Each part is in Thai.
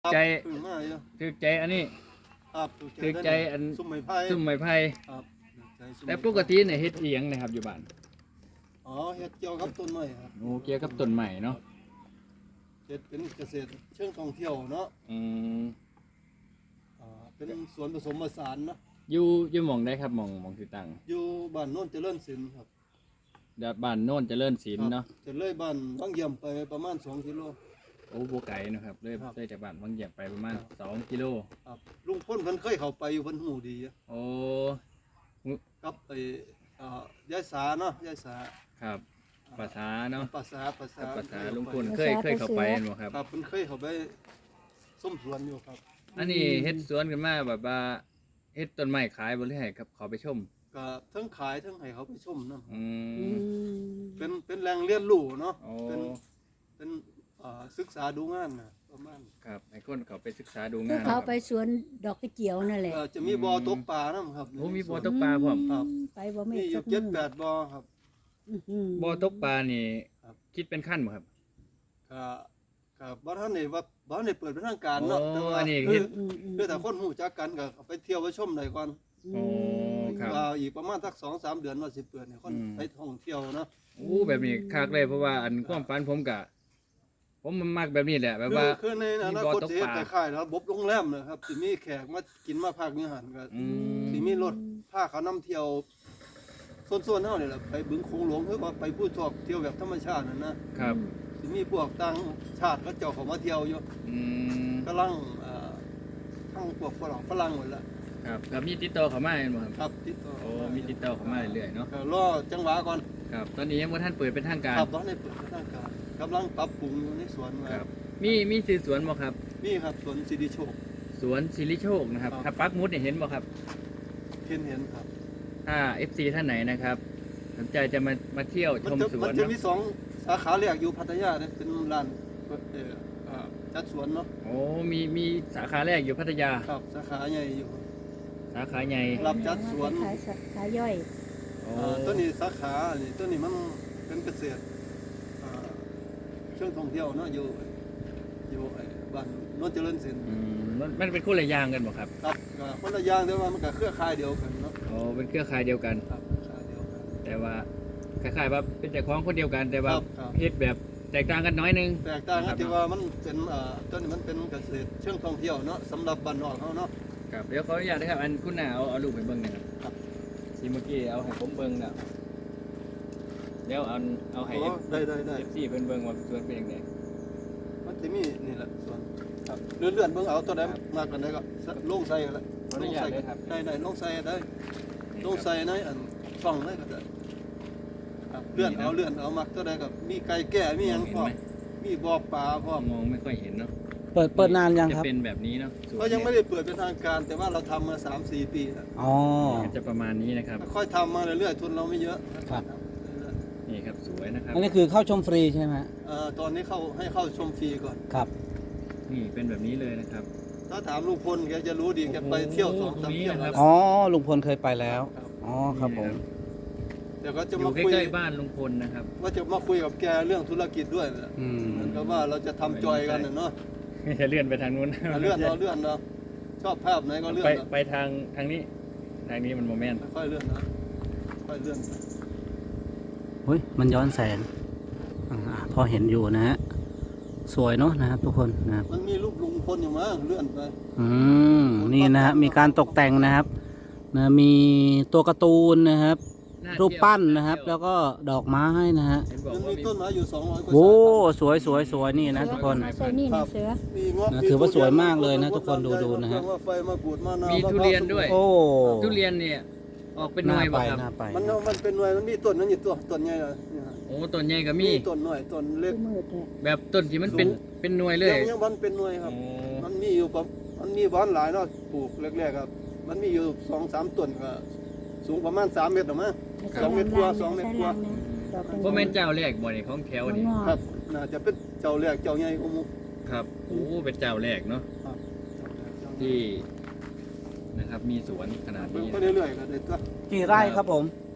ใจถึงมาอยู่ถือใจอันนี้ครับถือใจอันซุ่มไม้ไผ่ซุ่มไม้ไผ่ครับใจซุ่มแต่ไม้ปกติเนี่ยเฮ็ดอีหยังนะครับอยู่บ้านอ๋อเฮ็ดเกี่ยวกับต้นไม้ครับโอ้เกี่ยวกับต้นไม้เนาะเฮ็ดเป็นเกษตรเชิงท่องเที่ยวเนาะอืมเป็นสวนผสมผสานเนาะอยู่หม่องได้ครับหม่องที่ตั้งอยู่บ้านโน่นเจริญศิลป์ครับเดี๋ยวบ้านโน่นเจริญศิลป์เนาะจะเลยบ้านบางเยี่ยมไปประมาณ2กิโลโอ้บ่ไกลเนาะครับเลยครับจากบ้านบางเหยียบไปประมาณ2กิโลครับลุงพ้นเพิ่นเคยเข้าไปอยู่เพิ่นหูดีอะโอ้กับไอ้ยายสาเนาะยายสาครับภาษาเนาะภาษาภาษาลุงพลเคยเข้าไปเห็นบ่ครับครับเพิ่นเคยเข้าไปส้มสวนอยู่ครับอันนี้เฮ็ดสวนกันมาแบบว่าเฮ็ดต้นไม้ขายบ่หรือให้ครับเขาไปชมก็ทั้งขายทั้งให้เขาไปชมนำอืมเป็นแหล่งเรียนรู้เนาะโอ้เป็นศึกษาดูงานนะประมาณครับให้คนเขาไปศึกษาดูคืงาอน เขาครับไปสวนดอกกระเจียวนั่นแหละจะมีบ่อตกปลานํครับโอ้มีบ่อตกปลาพร้อมครับไปบ่ไม่มีอสัยู่กมื้อ 7-8บ่อครับบ่อตกปลานี่ครับคิดเป็นขั้นบ่ครับก็บ่ทันได้ว่าบ่ทันได้เปิดเป็นทางการเนาะโอ้แต่ว่าอันนี้คืเฮ็อดคือถ้าคนรู้จักกันก็ไปเที่ยวไปชมได้ก่อนโอ้ครับว่าอีกประมาณสัก 2-3 เดือนว่าสิเปิดให้คนอืมไปท่องเที่ยวเนาะโอ้แบบนี้คักเลยเพราะว่าอันความฝันผมมันมักแบบนี้แหละแบบว่าคือในอนาคตมีบ่อตกสิเฮ็ดปคลาล้ายๆระบบโรงแรมนะครับสิมีแขกมากินมาพักอยู่หั่นก็อืมสิมีรถพาเขานำเที่ยวส่วนๆเฮานี่แหละไปบึงโขงหลวงหรือว่าไปผู้ชอบเที่ยวแบบธรรมชาตินั่นนะครับ สิมีพวกต่างชาติเขาเจ้าเขามาเที่ยวอยู่อืมกำลังทั้งพวกฝรั่งหมดแล้วครับแล้วมีติดต่อเข้ามาเห็นบ่ครับครับติดต่อโอ้มีติดต่อเข้ามาเรื่อยๆเนาะก็รอจังหวะก่อนครับตอนนี้ยังบ่ทันเปิดเป็นทางการครับตอนนี้เปิดทางการกำลังปรับปรุงอยู่ในสวนมาครับมีชื่อสวนบ่ครับนี่ครับสวนสิริโชคสวนสิริโชคนะครับครับถ้าปักหมุดเนี่ยเห็นบ่ครับเห็นครับถ้า FC ท่านไหนนะครับสนใจจะมาเที่ยวชมสวมัน นจะเนาะมี2สาขาแรกอยู่พัทยาเนี่ยเป็นร้านจัดสวนเนาะโอ้มีสาขาแรกอยู่พัทยาครับสาขาใหญ่อยู่สาขาใหญ่รับจัดสวนขายขายย่อยโอ้ตัวนี้สาขานี่ตัวนี้มันเป็นเกษตรเชิงท่องเที่ยวเนาะอยู่ไอ้บ้านโนนเจริญศิลป์อืมมันเป็นคนละอย่างกันบ่ครับครับก็คนละอย่างแต่ว่ามันก็เครือข่ายเดียวกันเนาะโอ้เป็นเครือข่ายเดียวกันครับเครือข่ายเดียวกันแต่ว่าคล้ายๆว่าเป็นเจ้าของคนเดียวกัน แต่ว่าครับเฮ็ดแบบแตกต่างกันน้อยนึงแตกต่างครักับ นที่ว่ามันเป็นตัวนี้มันเป็นเกษตรเชิงท่องเที่ยวเนาะสำหรับบ้านนอกเขาเนาะครับเดี๋ยวขออนุญาตนะครับอันคุณน่ะเอารูปให้เบิ่งหน่อยครับครับที่เมื่อกี้เอาให้ผมเบิ่งน่ะเดี๋ยวเอาให้โอ้ได้ FC เพิ่นเบิ่งว่าสวนเป็นจังไดมันจะมีนี่แหละส่วนครับเลื่อนเบิ่งเอาตัวใดมากกันได้ก็ลงใส่กันละขออนุญาตเลยครับได้ลงใส่ได้ลงใส่ในอันช่องได้ก็ได้ครับเลื่อนเอามักตัวใดก็มีไก่แก่มีหยังพร้อมมีบ่อปลาพร้อมมองไม่ค่อยเห็นเนาะเปิดนานยังครับจะเป็นแบบนี้เนาะสวนก็ยังไม่ได้เปิดเป็นทางการ แต่ว่าเราทำมา 3-4 ปีแล้วอ๋อเนี่ยจะประมาณนี้นะครับค่อยๆทำมาเรื่อยๆทุนเราไม่เยอะครับนี่ครับสวยนะครับอันนี้คือเข้าชมฟรีใช่ไหมฮะตอนนี้ให้เข้าชมฟรีก่อนครับนี่เป็นแบบนี้เลยนะครับถ้าถามลุงพลแกจะรู้ดีแกไปเที่ยวโอ้โห 2-3 เที่ยวตรงนี้แล้วนะครับอ๋อ ลุงพลเคยไปแล้วครับอ๋อ ครับผมเดี๋ยวก็จะอยู่มาคุยใกล้ๆบ้านลุงพลนะครับว่าจะมาคุยกับแกเรื่องธุรกิจด้วยนะอืมเหมือนกับว่าเราจะทำจอยกันน่ะเนาะจะเลื่อนไปทางนู้นเลื่อนเราชอบภาพไหนก็เลื่อนไปเอาไปทางนี้ทางนี้มันโมเมนต์ค่อยเลื่อนนะค่อยเลื่อนนะเฮ้ย มันย้อนแสงพอเห็นอยู่นะฮะ สวยเนาะนะครับทุกคนนะครับมันมีรูปลุงพลอยู่มั้งเลื่อนไปอืม นี่นะฮะ มีการตกแต่งนะครับ นะมีตัวการ์ตูนนะครับ รูปปั้นนะครับ แล้วก็ดอกไม้นะฮะเห็นบอกมันว่ามีต้นไม้อยู่200 กว่าโอ้สายพันธุ์สวยนี่นะทุกคนใส่นี่นะเสือมีเงาะนะมีถือว่าทุเรียนสวยมากเลยนะทุกคนดูนะฮะว่าไฟมะกรูดมะนาวมีทุเรียนด้วยโอ้ทุเรียนเนี่ยออกเป็นหน่วยบ่ครับน่าไปมันเป็นหน่วยมันมีต้นนั้นอยู่ต้นใหญ่เลยนี่ฮะโอ้ต้นใหญ่ก็มีต้นหน่อยต้นเล็กมืดเลยแบบต้นที่มันเป็นสูงเป็นหน่วยเลยยังมันเป็นหน่วยครับโอ้มันมีอยู่มันมีบ้านหลายเนาะปลูกแรกๆครับ มันมีอยู่2-3 ต้นก็สูงประมาณ3 เมตรหรอมั้ง 2 เมตรกว่า2 เมตรกว่าบ่แม่นเจ้าแรกบ่นี่ของแถวนี่ครับน่าจะเป็นเจ้าแรกเจ้าใหญ่กว่าหมู่ครับโอ้เป็นเจ้าแรกเนาะครับที่นะครับมีสวนขนาดเบิ่งนี้ไปเรื่อยๆก็ได้ตัวกี่ไร่ครับผม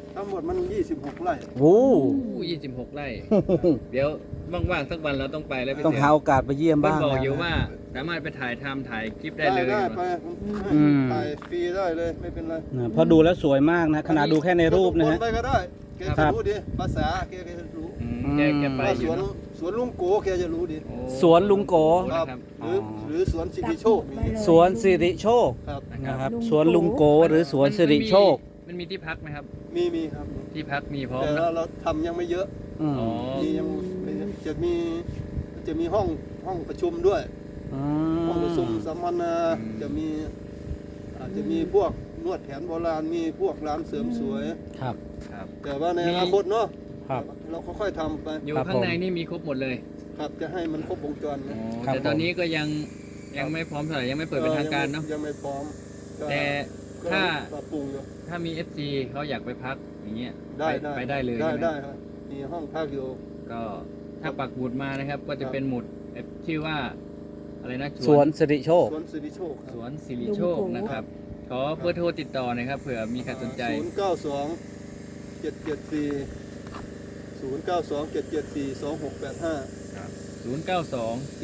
ทั้งหมดมัน26 ไร่โอ้ 26 ไร่ เดี๋ยวว่างๆสักวันเราต้องไปแล้วพี่ต้องเสืหาโอกาสไปเยี่ยมเพิ่นบ้างบอกอยู่นะว่าสามารถไปถ่ายคลิปได้เลยได้เนไปอะอืมถ่ายฟรีได้เลยไม่เป็นไรนะเพราะดูแล้วสวยมากนะขนาดดูแค่ในรูปนะคฮะไปก็ได้แกครัจะบรู้ดีภาษาแกจะรู้แกไปว่าอสยู่วนเนอะสวนลุงโกแกจะรู้ดีโอ้สวนลุงโกครับนะครับหรือสวนสิริโชคนี่สวนสิริโชคครับนะครับสวนลุงโกหรือสวนสิริโชคมันมีที่พักไหมครับมีครับที่พักมีพร้อมแต่นะเราทำยังไม่เยอะอืมอ๋อมียังไม่เยอะจะมีห้องประชุมด้วยอืมห้องประชุมสัมมนาอืมจะมีอาจจะมีพวกนวดแผนโบราณมีพวกร้านเสริมสวยครับครับแต่ว่าในอนาคตเนาะครับเราค่อยๆทำไปอยู่ครับข้างในผมนี่มีครบหมดเลยครับจะให้มันครบวงจรอ๋นะอครับแต่ตอนนี้ก็ยังไม่พร้อมเท่าไหร่ยังไม่เปิดเป็นทางการเนาะยังไม่พร้อมก็แต่ก็ถ้าปรับปรุงอยู่ถ้ามี FC เขาอยากไปพักอย่างเงี้ยได้ไปได้เลยได้ใช่ไหมได้ครับมีห้องพักอยู่ก็ถ้าปักหมุดมานะครับ ก็จะเป็นหมุดชื่อว่าอะไรนะสวนสิริโชคสวนสิริโชคคสรับวนสิริโชคนะครับ ขอเบอร์โทรติดต่อหน่อยครับเผื่อมีใครสนใจ 092 774 2685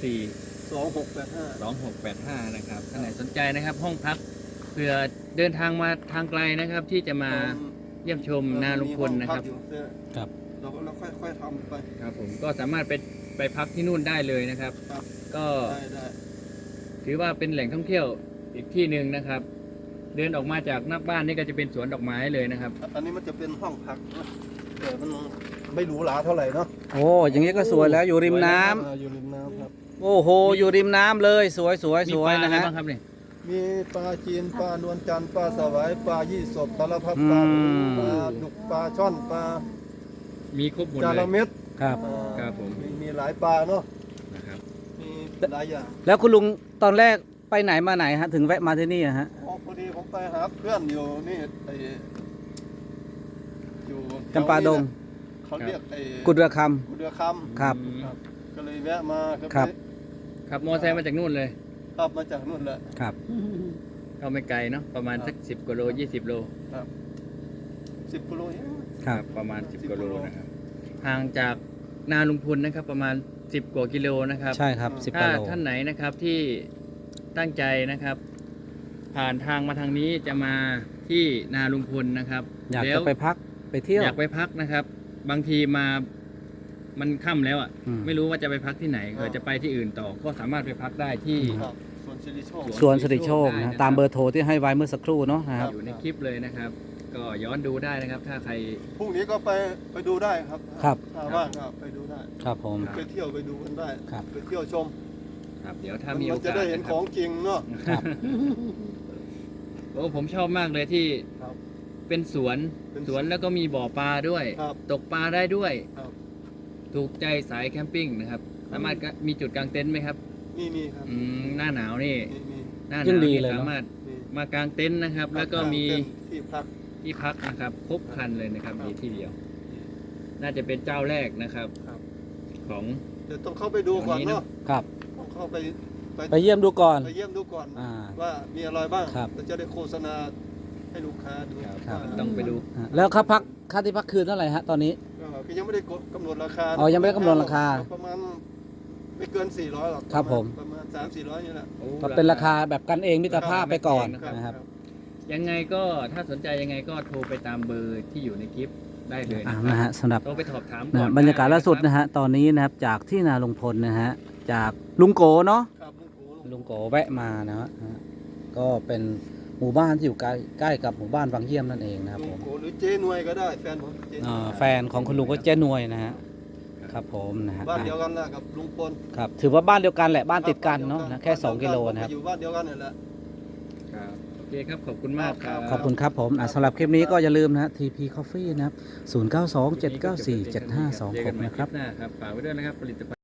2685 092-774-2685 นะครับท่านไหนสนใจนะครับห้องพักเผื่อเดินทางมาทางไกลนะครับ ที่จะมาเยี่ยมชมนาลุงพลนะครับมีห้องพักอยู่ครับเราค่อยๆทำไปครับผมก็สามารถไปพักที่นู่นได้เลยนะครับครับก็ได้ถือว่าเป็นแหล่งท่องเที่ยวอีกที่หนึ่งนะครับ เดินออกมาจากนอกบ้านนี่ก็จะเป็นสวนดอกไม้เลยนะครับอันนี้มันจะเป็นห้องพักนะแต่มันไม่หรูหราเท่าไหร่เนาะโอ้อย่างนี้ก็สวยแล้วอยู่ริมน้ำอยู่ริมน้ำครับโอ้โหอยู่ริมน้ำเลยสวยสวยมีสปวยลาอะนะไรฮะบ้างครับเนี่ยมีปลาจีนปลานวลจันทร์ปลาสวายปลายี่สบสารพัดปลาอืมปลาดุกปลาช่อนปลามีครบหมดจาเลระยเม็ดครับครับผมมีหลายปลาเนาะนะครับมีหลายอย่างแล้วคุณลุงตอนแรกไปไหนมาไหนฮะถึงแวะมาที่นี่อะฮะอ๋อพอดีผมไปหาเพื่อนอยู่นี่ไออยู่จำปาดงเขาเรียกไอ้กุดระคกุดเรือคครับำครับก็เลยแวะมาครับขับมอเตอร์ไซค์มาจากนู่นเลยขับมาจากนู่นแหละครับก็ไม่ไกลเนาะประมาณสัก10 กว่าโล 20 โลครับ10 กิโลเองครับประมาณ 10 กว่าโล 10 กิโลนะครับห่างจากนาลุงพลนะครับประมาณ 10 กว่ากิโลนะครับใช่ครับ10 ถ้ากิโลท่านไหนนะครับที่ตั้งใจนะครับ ผ่านทางมาทางนี้จะมาที่นาลุงพลนะครับอยากแล้จะวไปพักไปเที่ยวอยากไปพักนะครับ บางทีมามันค่ำแล้วอ่ะอืมไม่รู้ว่าจะไปพักที่ไหนเกิดจะไปที่อื่นต่อ ก็สามารถไปพักได้ที่ครับสวนสิริโชคสวนสิริโชคนะตามเบอร์โทรที่ให้ไว้เมื่อสักครู่เนาะนะครับอยู่ในคลิปเลยนะครับ ก็ย้อนดูได้นะครับ ถ้าใครพรุ่งนี้ก็ไปดูได้ครับครับถ้าว่างก็ไปดูได้ครับผมไปเที่ยวไปดูกันได้ครับไปเที่ยวชมครับเดี๋ยวถ้ามีโอมันจะกาสได้เห็นนะคขรับองจริงเนาะครับโอ้ผมชอบมากเลยที่ครับเป็นสวนเป็นสวนแล้วก็มีบ่อปลาด้วยครับตกปลาได้ด้วยครับถูกใจสายแคมปิ้งนะครับ สามารถมีจุดกางเต็นท์ไหมครับมีครับหน้าหนาวนี่มีหน้าหยิ่นาง วดีนี่เลยเนอะสามารถมีมากางเต็นท์นะครับ แล้วก็มีที่พักที่พักนะครับครบครันเลยนะครับครับมีที่เดียว น่าจะเป็นเจ้าแรกนะครับครับของเดี๋ยวต้องเข้าไปดูก่อนเนาะครับต้องเข้าไปไปเยี่ยมดูก่อนไปเยี่ยมดูก่อนอ่าว่ามีอะไรบ้างครับเราจะได้โฆษณาให้ลูกค้าดูครับว่าต้องไปดูแล้วค่าที่พักคืนเท่าไหร่ฮะตอนนี้ก็ยังไม่ได้กำหนดราคาอ๋อยังไม่ได้กำหนดราคาประมาณไม่เกิน400หรอกครับผมประมาณ300-400นี่แหละโอ้ก็เป็นราคาแบบกันเองมิตรภาพไปก่อนนะครับยังไงก็ถ้าสนใจยังไงก็โทรไปตามเบอร์ที่อยู่ในคลิปได้เลยนะคนะรับฮะสำหรับโทรไปสอบถามนะก่อนบรรยากาศล่าสุดนะนะฮะตอนนี้นะครับจากที่นาลุงพลนะฮะจากลุงโกเนาะครับลุงโกลุงโกแวะมานะฮะก็เป็นหมู่บ้านที่อยู่ใกล้กับหมู่บ้านวังเยี่ยมนั่นเองนะครับลุผงมโกหรือเจ๊นวยก็ได้แฟนผมเจ๊นวยแฟนของคุณลุงก็เจ๊นวยนะฮะครับผมนะฮะบ้านเดียวกันแหละกับลุงพลครับถือว่าบ้านเดียวกันแหละบ้านติดกันเนาะนะแค่2 กิโลนะครับอยู่บ้านเดียวกันนี่แหละครับโอเคครับขอบคุณมากครับขอบคุณครับผมสำหรับคลิปนี้ก็อย่าลืมนะฮะ TP Coffee นะครับ 0927947526 นะครับเจอกัใหม่ลิปหน้าครับฝากไว้ด้วยนะครับผลิตภัณฑ์